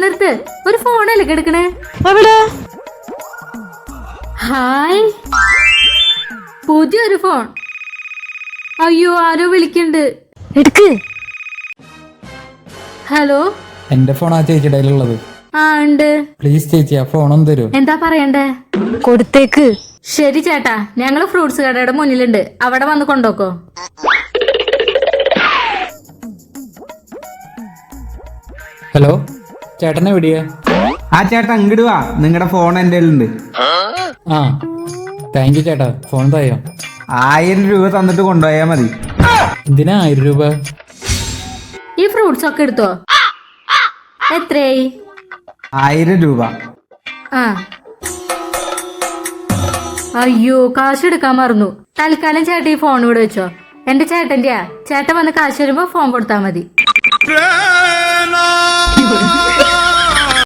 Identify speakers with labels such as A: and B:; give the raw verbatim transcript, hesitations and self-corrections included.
A: പരിസരത്ത് ഒരു ഫോണല്ലേ കിടക്കണേ? ഹായ്, പുതിയൊരു ഫോൺ. അയ്യോ, ആരോ വിളിക്കണ്ട്.
B: എടുക്ക്.
A: ഹലോ,
C: എന്റെ ഫോൺ ആ ചേച്ചിയുടെ ഉള്ളത്.
A: ആ ഉണ്ട്.
C: പ്ലീസ് ചേച്ചി ആ ഫോൺ ഒന്ന് തരൂ.
A: എന്താ പറയണ്ടേ?
B: കൊടുത്തേക്ക്.
A: ശരി ചേട്ടാ, ഞങ്ങള് ഫ്രൂട്ട്സ് കടയുടെ മുന്നിലുണ്ട്, അവിടെ വന്ന് കൊണ്ടോക്കോ.
C: ഹലോ, ചേട്ടൻ എവിടെയാ?
D: ആ ചേട്ടാ ഇങ്ങോട്ട് വാ, നിങ്ങളുടെ ഫോൺ എന്റെ കയ്യിലുണ്ട്.
C: ആ താങ്ക് യു ചേട്ടാ, ഫോൺ തയ്യോ?
D: ആയിരം രൂപ തന്നിട്ട് കൊണ്ടുപോയാ മതി.
C: എന്തിനാ ആയിരം രൂപ?
A: ഈ ഫ്രൂട്ട്സ് ഒക്കെ എടുത്തോ. എത്രയായി?
D: ആയിരം രൂപ.
A: ആ അയ്യോ, കാശ് എടുക്കാൻ മറന്നു. തൽക്കാലം ചേട്ടൻ ഈ ഫോൺ ഇവിടെ വെച്ചോ. എന്റെ ചേട്ടന്റെയാ. ചേട്ടൻ വന്ന് കാശ് വരുമ്പോ ഫോൺ കൊടുത്താ മതി.